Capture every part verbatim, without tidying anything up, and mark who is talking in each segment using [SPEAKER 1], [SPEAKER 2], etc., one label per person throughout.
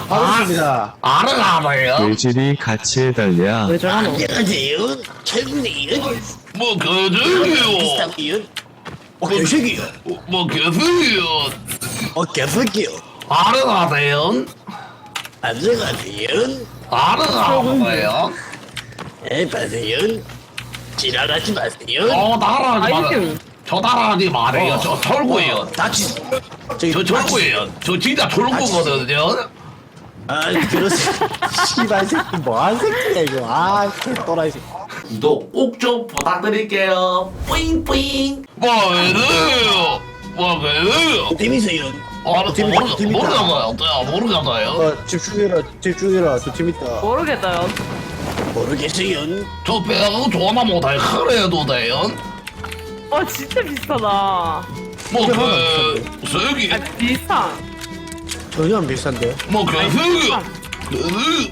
[SPEAKER 1] 반갑습니다.
[SPEAKER 2] 알아가봐요.
[SPEAKER 3] 외질이 같이 해달랴.
[SPEAKER 4] 왜 저러노?
[SPEAKER 1] 안녕하세요. 최군이요.
[SPEAKER 2] 뭐 거저기요.
[SPEAKER 1] 비슷하기요. 어, 개새끼요.
[SPEAKER 2] 뭐 개새끼요.
[SPEAKER 1] 어, 개새끼요.
[SPEAKER 2] 알아가세요.
[SPEAKER 1] 안녕하세요.
[SPEAKER 2] 알아가봐요.
[SPEAKER 1] 에, 봐세요. 지랄하지 마세요.
[SPEAKER 2] 저 따라하지 마.
[SPEAKER 4] 아이템.
[SPEAKER 2] 저 따라하지 말아요. 저 철구예요.
[SPEAKER 1] 다치. 저기
[SPEAKER 2] 저 철구예요. 저 진짜 철구거든요.
[SPEAKER 1] 아, 그렇습니다. 씨발 새끼 뭐한 새끼야 이거. 아, 또라이 새끼.
[SPEAKER 2] 구독 꼭 좀 부탁드릴게요. 뿌잉뿌잉. 뭐 그래요? 뭐 그래요?
[SPEAKER 1] 재밌어요.
[SPEAKER 2] 아,
[SPEAKER 1] 재밌-
[SPEAKER 2] 모르
[SPEAKER 1] 재밌다.
[SPEAKER 2] 모르겠어요. 모르겠어요.
[SPEAKER 1] 어, 집중해라, 집중해라. 저 재밌다.
[SPEAKER 4] 모르겠다요.
[SPEAKER 1] 모르겠어요.
[SPEAKER 2] 저 배가 전화 못해. 그래도 돼요.
[SPEAKER 4] 와 진짜 비싸다.
[SPEAKER 2] 뭐그 저기
[SPEAKER 4] 아 비싸.
[SPEAKER 1] 전혀 안 비싼데.
[SPEAKER 2] 뭐 개새끼. 그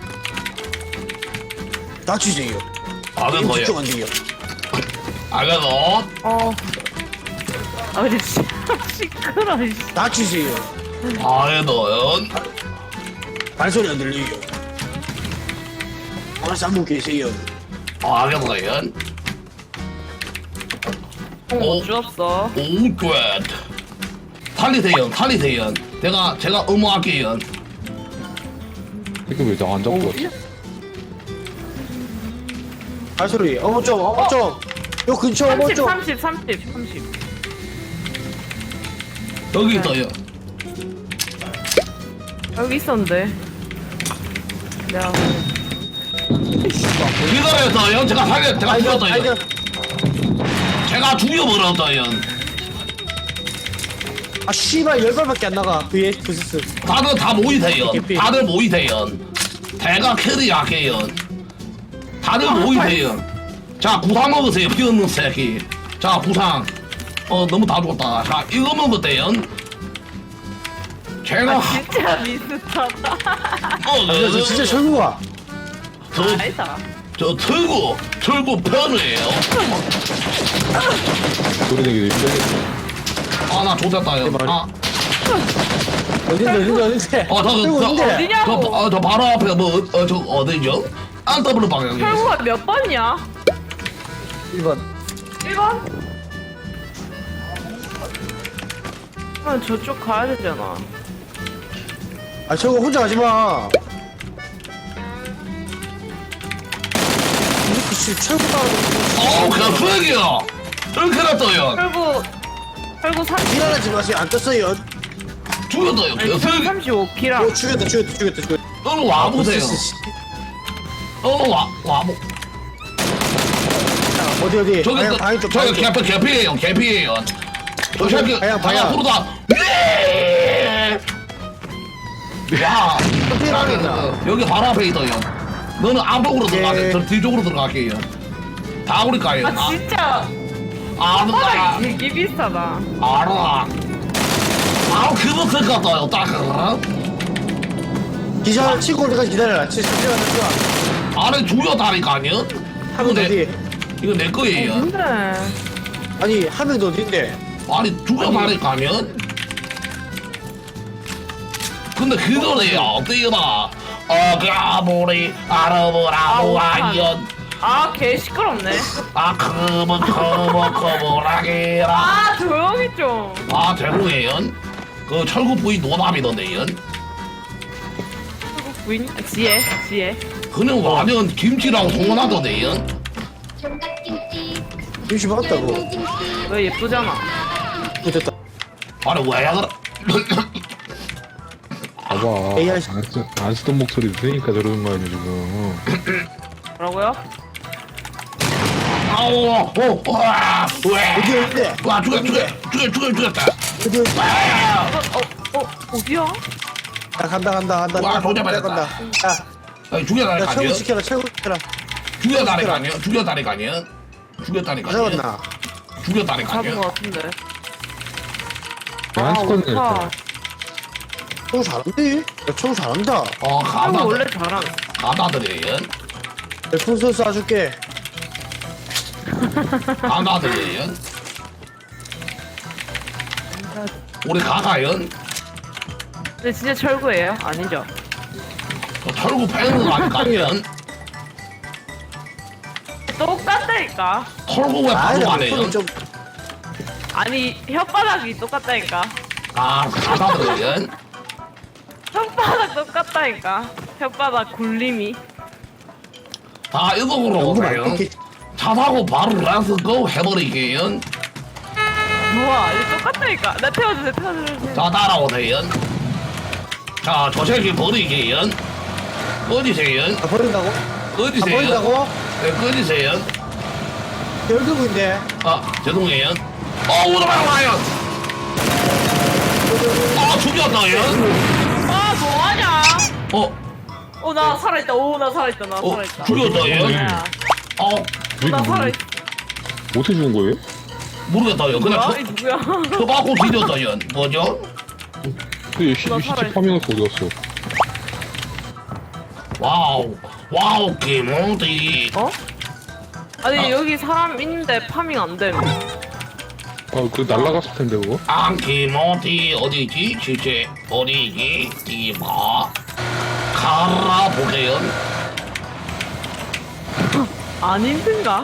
[SPEAKER 1] 다치세요.
[SPEAKER 2] 아는
[SPEAKER 1] 지금
[SPEAKER 2] 거예요.
[SPEAKER 1] 집중 안 돼요.
[SPEAKER 2] 알겠어.
[SPEAKER 4] 어. 아 근데 진짜 시끄러. 씨.
[SPEAKER 1] 다치세요.
[SPEAKER 2] 알겠어요.
[SPEAKER 1] 발소리 안 들려요. 오늘 한분 계세요.
[SPEAKER 2] 알겠어요.
[SPEAKER 4] 어,
[SPEAKER 2] 어.
[SPEAKER 4] 못 주었어.
[SPEAKER 2] 오, 굿. 살리세요. 살리세요. 제가 제가 의무할게요.
[SPEAKER 3] 이거 왜 나 안 잡고 왔지?
[SPEAKER 1] 발소리. 어머 좀, 어머 좀. 요 근처 어머
[SPEAKER 4] 삼십,
[SPEAKER 1] 좀.
[SPEAKER 4] 삼십, 삼십, 삼십.
[SPEAKER 2] 여기 있어요.
[SPEAKER 4] 여기 있었는데. 내가
[SPEAKER 2] 기다렸어요. 제가 살려 제가
[SPEAKER 1] 아이고,
[SPEAKER 2] 죽였어요.
[SPEAKER 1] 아이고.
[SPEAKER 2] 제가 죽여버렸어요.
[SPEAKER 1] 아 씨발 열 발밖에 안 나가. 그의 부스스.
[SPEAKER 2] 다들 다 모이세요.
[SPEAKER 1] 개피.
[SPEAKER 2] 다들 모이세요. 대가 캐리 약해요. 다들 모이세요. 자 구상 먹으세요. 피 없는 새끼. 자 구상. 어 너무 다 죽었다. 자 이거 먹으면 돼요. 제가
[SPEAKER 4] 아, 진짜 비슷하다.
[SPEAKER 2] 어,
[SPEAKER 1] 아, 저 진짜 철구가.
[SPEAKER 2] 저,
[SPEAKER 4] 아니다.
[SPEAKER 2] 저 철구 철구 편이에요.
[SPEAKER 3] 소리 내기도 힘들겠어.
[SPEAKER 2] 아나 좋댔다요.
[SPEAKER 1] 내 말이-
[SPEAKER 2] 아,
[SPEAKER 1] 어딘데 어딘데 어딘데.
[SPEAKER 2] 어, 저,
[SPEAKER 1] 철구
[SPEAKER 2] 저,
[SPEAKER 1] 어딘데?
[SPEAKER 4] 어디냐고.
[SPEAKER 2] 저, 어, 저 바로 앞에 뭐어저 어디죠? 안 더블 방향이.
[SPEAKER 4] 철구가 몇 번이야?
[SPEAKER 1] 일 번.
[SPEAKER 4] 일 번? 그럼 저쪽 가야 되잖아.
[SPEAKER 1] 아 철구 혼자 가지 마. 이렇게 씨 철구 따라가지고.
[SPEAKER 2] 어, 그냥 수액이야. 이렇게 났어요.
[SPEAKER 4] 철구, 철구 삼십.
[SPEAKER 1] 지랄하지 마세요. 안 떴어요.
[SPEAKER 2] 죽였어요.
[SPEAKER 4] 아니,
[SPEAKER 2] 그냥
[SPEAKER 4] 철구
[SPEAKER 2] 수액.
[SPEAKER 4] 삼십오 키랑.
[SPEAKER 1] 어 죽였다 죽였다 죽였다 죽였다.
[SPEAKER 2] 너는 와보세요.
[SPEAKER 1] 부스스 씨.
[SPEAKER 2] 어, 와, 와보.
[SPEAKER 1] 자, 어디 어디.
[SPEAKER 2] 저기,
[SPEAKER 1] 방향
[SPEAKER 2] 그,
[SPEAKER 1] 방향 좀.
[SPEAKER 2] 저기 개피, 개피예요. 개피예요. 저 새끼,
[SPEAKER 1] 방향, 방향.
[SPEAKER 2] 앞으로 다. 예! 야,
[SPEAKER 1] 어떻게 나가겠나?
[SPEAKER 2] 여기 바로 앞에 있어요. 너는 안쪽으로 들어가세요. 저 뒤쪽으로 들어갈게요. 다 우리 가요.
[SPEAKER 4] 아 진짜.
[SPEAKER 2] 아,
[SPEAKER 4] 바닥이
[SPEAKER 2] 아,
[SPEAKER 4] 되게 비싸다.
[SPEAKER 2] 알아. 아, 그거 쓸 것 같아요. 딱. 어?
[SPEAKER 1] 기절 치고 올 때까지 기다려라. 치 기절 안 했어.
[SPEAKER 2] 안에 죽였다니까요. 이거
[SPEAKER 1] 한명
[SPEAKER 2] 내,
[SPEAKER 1] 어디?
[SPEAKER 2] 이거 내 거예요.
[SPEAKER 4] 근데
[SPEAKER 1] 아니 한 명 더 어딘데?
[SPEAKER 2] 아니 죽여다니까요. 근데 그거네요. 어때요? 어가보리 아르보라보 아이언
[SPEAKER 4] 아개 시끄럽네.
[SPEAKER 2] 아 커버 커버 커버라게라.
[SPEAKER 4] 아 조용히 좀.
[SPEAKER 2] 아 대구예요. 그 철구 부인 노답이던데요.
[SPEAKER 4] 철구 부인 아, 지혜 지혜.
[SPEAKER 2] 그는 완전 김치라고 소문하던데요.
[SPEAKER 5] 총각김치
[SPEAKER 1] 김치 먹었다고.
[SPEAKER 4] 너 예쁘잖아.
[SPEAKER 1] 어, 됐다.
[SPEAKER 2] 아니 왜 그래?
[SPEAKER 3] 봐봐.
[SPEAKER 1] 에이아이.
[SPEAKER 3] 안, 쓰, 안 쓰던 목소리 들으니까 저러는 거 아니야, 지금.
[SPEAKER 4] 뭐라고요?
[SPEAKER 2] 아우 어, 와, 왜?
[SPEAKER 1] 어디 어딘데?
[SPEAKER 2] 와 죽여 죽여 죽여 죽여 죽였다.
[SPEAKER 1] 어디 어디?
[SPEAKER 2] 아,
[SPEAKER 4] 어, 어, 어, 어디야?
[SPEAKER 1] 야 간다 간다 간다.
[SPEAKER 2] 와,
[SPEAKER 1] 간다,
[SPEAKER 2] 조져버렸다.
[SPEAKER 1] 간다. 야,
[SPEAKER 2] 아니,
[SPEAKER 1] 야
[SPEAKER 2] 죽여다니까요.
[SPEAKER 1] 철구 지켜라 철구 지켜라.
[SPEAKER 2] 죽여다니까요. 죽여다니까요. 죽였다니까요.
[SPEAKER 1] 잡았나?
[SPEAKER 4] 잡은
[SPEAKER 2] 죽였다니까요.
[SPEAKER 4] 것 같은데.
[SPEAKER 3] 안
[SPEAKER 4] 아,
[SPEAKER 3] 쓰던
[SPEAKER 4] 어떡하.
[SPEAKER 3] 애.
[SPEAKER 1] 철구 잘한대. 야 철구 잘한다.
[SPEAKER 2] 어
[SPEAKER 4] 철구
[SPEAKER 2] 가다
[SPEAKER 4] 원래 잘함.
[SPEAKER 2] 가다들이에요.
[SPEAKER 1] 풍선 쏴줄게.
[SPEAKER 2] 가다들이에요. 우리 가가요.
[SPEAKER 4] 근데 진짜 철구예요? 아니죠?
[SPEAKER 2] 저 철구 패는 거 아닐까요?
[SPEAKER 4] 똑같다니까.
[SPEAKER 2] 철구 왜
[SPEAKER 1] 아니,
[SPEAKER 2] 바로 안
[SPEAKER 1] 나
[SPEAKER 2] 해요?
[SPEAKER 1] 목소리 좀.
[SPEAKER 4] 아니 혓바닥이 똑같다니까.
[SPEAKER 2] 아, 사다들은
[SPEAKER 4] 혓바닥 똑같다니까. 혓바닥 굴림이.
[SPEAKER 2] 다 이거로
[SPEAKER 1] 너무
[SPEAKER 2] 오세요.
[SPEAKER 1] 많게.
[SPEAKER 2] 차 타고 바로 렛츠고 해버리게요.
[SPEAKER 4] 뭐야 이거 똑같다니까. 나 태워주세요 태워주세요.
[SPEAKER 2] 자, 따라오세요. 자, 저 새끼 버리게요. 꺼지세요.
[SPEAKER 1] 아, 버린다고? 아,
[SPEAKER 2] 꺼지세요.
[SPEAKER 1] 버린다고?
[SPEAKER 2] 네, 꺼지세요.
[SPEAKER 1] 열두분인데.
[SPEAKER 2] 아, 죄송해요. 어, 오토바이 와요. 아, 죽였다요.
[SPEAKER 4] 아 뭐하냐?
[SPEAKER 2] 어,
[SPEAKER 4] 어 나 살아있다. 오 나 살아있다. 나
[SPEAKER 2] 어,
[SPEAKER 4] 살아있다.
[SPEAKER 2] 죽였다요.
[SPEAKER 4] 야,
[SPEAKER 2] 어,
[SPEAKER 4] 나 살아있다.
[SPEAKER 3] 어떻게 죽은 거예요?
[SPEAKER 2] 모르겠다요. 그냥
[SPEAKER 4] 뭐야? 이 누구야?
[SPEAKER 2] 저, 저 받고 뒤졌다요. 뭐죠?
[SPEAKER 3] 그 시,
[SPEAKER 4] 나
[SPEAKER 3] 시체
[SPEAKER 4] 살아있-
[SPEAKER 3] 파밍해서 어디 갔어?
[SPEAKER 2] 와우, 와우, 김어디.
[SPEAKER 4] 어? 아니
[SPEAKER 2] 아.
[SPEAKER 4] 여기 사람 있는데 파밍 안 됨.
[SPEAKER 3] 아, 그 날라갔을 텐데 그거?
[SPEAKER 2] 아, 김어디 어디지? 실제 어디지? 이봐. 가라 보세요.
[SPEAKER 4] 안 힘든가?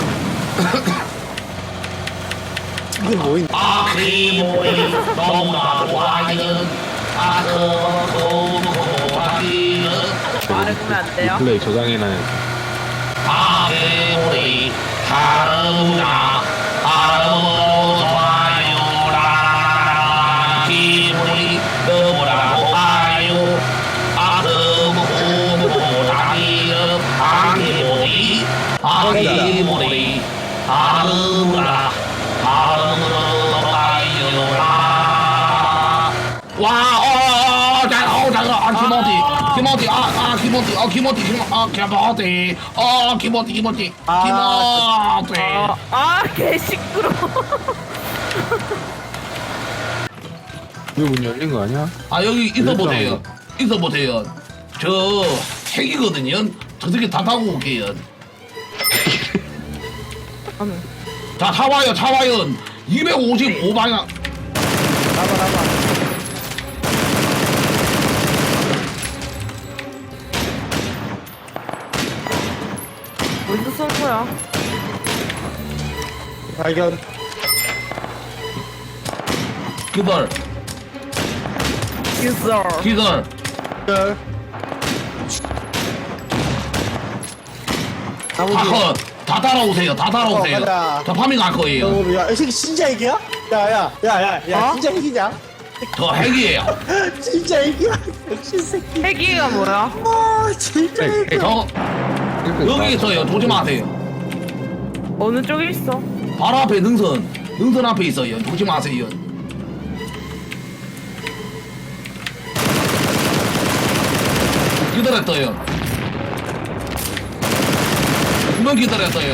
[SPEAKER 1] 이게 뭐인?
[SPEAKER 2] 아, 김어디 너무나 좋아요. 아, 그거 좋아요.
[SPEAKER 4] 말해보면 안 돼요?
[SPEAKER 3] 플레이 저장해놔야
[SPEAKER 2] 아, 김어디 다르구나. 다르고 좋아요라. 김어디 너무나 좋아요. 아, 그거 좋아요. 아, 김어디 아, 김어디 다르구나. 다르고 좋아요라. 와, 어, 어, 어, 자, 어, 잠깐, 아, 김어디, 김어디, 아, 아, 김어디, 어, 김어디, 김, 아, 김어디, 어, 김어디, 김어디,
[SPEAKER 1] 아,
[SPEAKER 2] 김어디.
[SPEAKER 4] 아, 아, 개 시끄러.
[SPEAKER 3] 이거 문 열린 거 아니야?
[SPEAKER 2] 아, 여기 있어 보세요, 있어 보세요. 저 핵이거든요. 저 새끼 다 타고 올게요. 자, 차 와요, 차 와요. 이백오십오 방향.
[SPEAKER 1] 나봐, 나봐.
[SPEAKER 4] 어디서 쏜 거야?
[SPEAKER 1] 발견.
[SPEAKER 2] 기절,
[SPEAKER 4] 있어.
[SPEAKER 2] 기절.
[SPEAKER 1] 열. 나머지.
[SPEAKER 2] 다 컷. 다 따라오세요, 다 따라오세요.
[SPEAKER 1] 어, 가자.
[SPEAKER 2] 저 파밍 갈 거예요.
[SPEAKER 1] 어, 야, 이 새끼 진짜 핵이야? 야, 야, 야, 야, 야,
[SPEAKER 4] 어?
[SPEAKER 1] 진짜 핵이냐?
[SPEAKER 2] 저 핵이에요.
[SPEAKER 1] 진짜 핵이야? 역시 새끼.
[SPEAKER 4] 핵이가 뭐야?
[SPEAKER 1] 아, 진짜
[SPEAKER 3] 핵,
[SPEAKER 1] 핵.
[SPEAKER 2] 저 여기 있어요. 조지 마세요.
[SPEAKER 4] 어느 쪽에 있어?
[SPEAKER 2] 바로 앞에 능선. 능선 앞에 있어요. 조지 마세요. 기다렸어요. 두명 기다렸어요.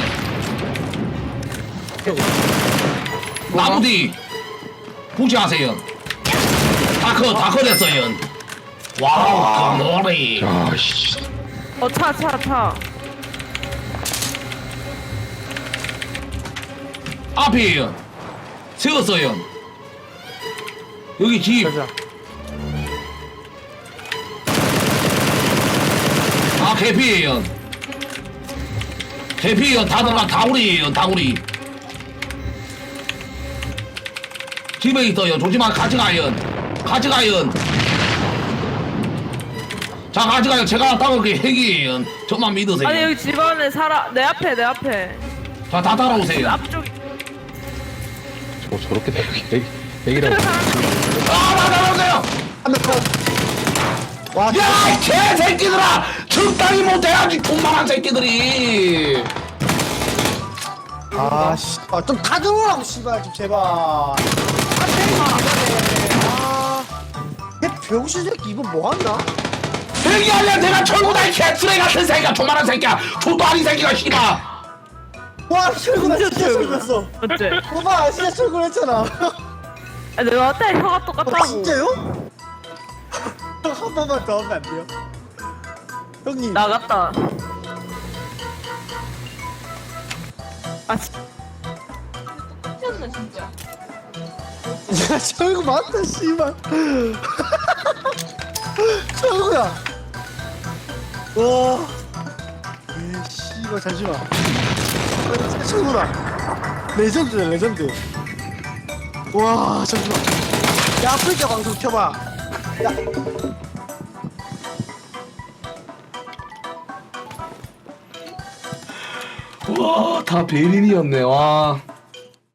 [SPEAKER 2] 나무 뒤. 무시하세요. 다커, 다커 됐어요. 와우, 그 머리.
[SPEAKER 3] 야, 씨.
[SPEAKER 4] 어, 차, 차, 차.
[SPEAKER 2] 앞이에요. 세웠어요. 여기 집.
[SPEAKER 1] 가자.
[SPEAKER 2] 아, 개피예요. 개피예요. 다들 다 다구리예요. 다구리. 집에 있어요. 조심하 같이 가요. 같이 가요. 자, 같이 가요. 제가 따올게 핵이에요. 저만 믿으세요.
[SPEAKER 4] 아니 여기 집 안에 살아. 내 앞에, 내 앞에.
[SPEAKER 2] 자, 다 따라오세요.
[SPEAKER 4] 앞쪽.
[SPEAKER 3] 저 저렇게 핵, 핵, 핵이라고.
[SPEAKER 2] 아, 다 따라오세요.
[SPEAKER 1] 한명 컷. 와,
[SPEAKER 2] 야, 이 개새끼들아! 적당히 못해야지, 돈만한 새끼들이!
[SPEAKER 1] 아, 씨. 아, 좀 가져오라고, 씨발, 좀 제발. 아, 때리면 안 되네. 아. 걔 병신 새끼, 이거 뭐 한다?
[SPEAKER 2] 여기 아니야, 내가 철구다, 이 개쓰레기 같은 새끼야! 돈만한 새끼야! 족도 아닌 새끼가, 씨발!
[SPEAKER 1] 와, 철구나, 진짜
[SPEAKER 4] 철구.
[SPEAKER 1] 철구했어.
[SPEAKER 4] 어째?
[SPEAKER 1] 봐봐, 진짜 철구했잖아.
[SPEAKER 4] 아, 내가 어때? 혀가
[SPEAKER 1] 아,
[SPEAKER 4] 똑같다고.
[SPEAKER 1] 진짜요? 한 번만 더 하면 안 돼요? 형님.
[SPEAKER 4] 나갔다. 아, 씨.
[SPEAKER 1] 야, 철구 맞다, 씨발. 최고야. 와. 에 씨발 잠시만. 아, 진짜 최고다. 레전드네 레전드. 와 잠시만. 야 아프리카 방송 켜봐. 야.
[SPEAKER 2] 와, 다 베린이었네, 와.